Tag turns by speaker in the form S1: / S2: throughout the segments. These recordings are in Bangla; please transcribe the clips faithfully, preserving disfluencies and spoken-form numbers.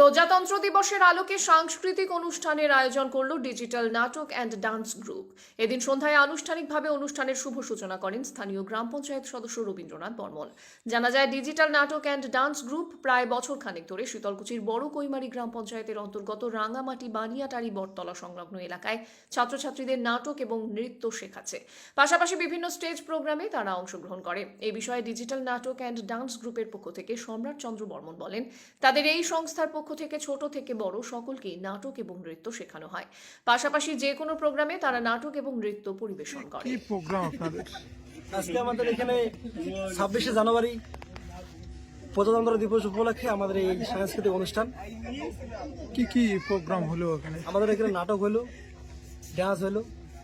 S1: প্রজাতন্ত্র দিবসের আলোকে সাংস্কৃতিক অনুষ্ঠানের আয়োজন করল ডিজিটাল নাটক অ্যান্ড ডান্স গ্রুপ। এদিন সন্ধ্যায় আনুষ্ঠানিকভাবে অনুষ্ঠানের শুভ সূচনা করেন স্থানীয় গ্রাম পঞ্চায়েত সদস্য রবীন্দ্রনাথ বর্মন। জানা যায়, ডিজিটাল নাটক অ্যান্ড ডান্স গ্রুপ প্রায় বছর খানেক ধরে শীতলকুচির বড় কৈমারি গ্রাম পঞ্চায়েতের অন্তর্গত রাঙামাটি বানিয়াটারি বটতলা সংলগ্ন এলাকায় ছাত্রছাত্রীদের নাটক এবং নৃত্য শেখাচ্ছে। পাশাপাশি বিভিন্ন স্টেজ প্রোগ্রামে তারা অংশগ্রহণ করে। এই বিষয়ে ডিজিটাল নাটক অ্যান্ড ডান্স গ্রুপের পক্ষ থেকে সম্রাট চন্দ্র বর্মন বলেন, তাদের এই সংস্থার পক্ষ থেকে ছোট থেকে বড় সকলকে নাটক এবং নৃত্য শেখানো হয়। পাশাপাশি যে কোনো প্রোগ্রামে তারা নাটক এবং নৃত্য পরিবেশন করে।
S2: কি প্রোগ্রাম আপনাদের?
S3: আজকে আমাদের এখানে ছাব্বিশে জানুয়ারি প্রজাতন্ত্র দিবস উপলক্ষে আমাদের এই সাংস্কৃতিক অনুষ্ঠান।
S2: কি কি প্রোগ্রাম হলো এখানে?
S3: আমাদের এখানে নাটক হলো, ডান্স হলো,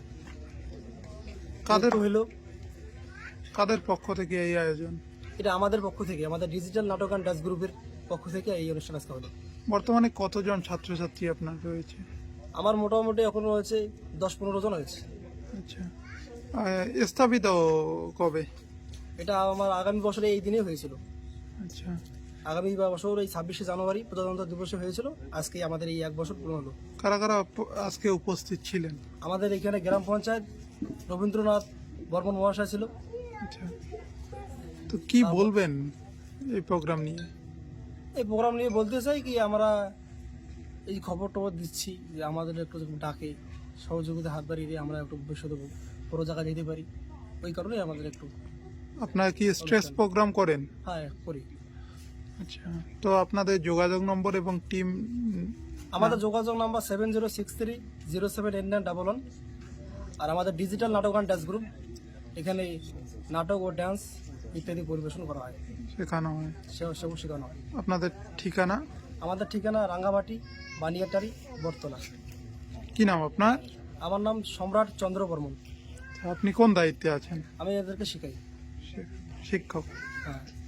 S2: কাদের
S3: নৃত্য হলো।
S2: কাদের পক্ষ থেকে এই আয়োজন?
S3: এটা আমাদের পক্ষ থেকে, আমাদের ডিজিটাল নাটক অ্যান্ড ডান্স গ্রুপের পক্ষ থেকে এই অনুষ্ঠান আজকে হলো।
S2: বর্তমানে কতজন ছাত্রছাত্রী আপনার রয়েছে?
S3: আমার মোটামুটি এখন রয়েছে দশ পনেরো জন হয়েছে।
S2: আচ্ছা, আহ, স্থাপিত কবে?
S3: এটা আমার আগামী বছরে এই দিনে হয়েছিল।
S2: আচ্ছা,
S3: আগামী বছর এই ছাব্বিশে জানুয়ারি প্রজাতন্ত্র দিবসে হয়েছিল। আজকে আমাদের এই এক বছর পূর্ণ হলো।
S2: কারা কারা প- আজকে উপস্থিত ছিলেন?
S3: আমাদের এখানে গ্রাম পঞ্চায়েত রবীন্দ্রনাথ বর্মন মহাশয় ছিল।
S2: আচ্ছা, তো কি বলবেন এই প্রোগ্রাম নিয়ে?
S3: এই প্রোগ্রাম নিয়ে বলতে চাই কি, আমরা এই খবর টবর দিচ্ছি যে আমাদের একটু ডাকে সহযোগিতা হাত বাড়িয়ে দিয়ে আমরা একটু ভবিষ্যতে বড় জায়গায় যেতে পারি। ওই কারণেই আমাদের একটু
S2: আপনারা কি স্ট্রেস প্রোগ্রাম করেন?
S3: হ্যাঁ করি।
S2: আচ্ছা, তো আপনাদের যোগাযোগ নম্বর এবং টিম?
S3: আমাদের যোগাযোগ number seven zero six three zero seven eight nine double one. আর আমাদের ডিজিটাল নাটক অ্যান্ড ডান্স গ্রুপ, এখানে নাটক ও ডান্স ইত্যাদি পরিবেশন করা হয়,
S2: শেখানো হয়।
S3: সেও সেও শেখানো হয়।
S2: আপনাদের ঠিকানা?
S3: আমাদের ঠিকানা রাঙ্গামাটি বানিয়াটারি বটতলা।
S2: কি নাম আপনার?
S3: আমার নাম সম্রাট চন্দ্র বর্মন।
S2: আপনি কোন দায়িত্বে আছেন?
S3: আমি এদেরকে শেখাই।
S2: শিক্ষক।
S3: হ্যাঁ।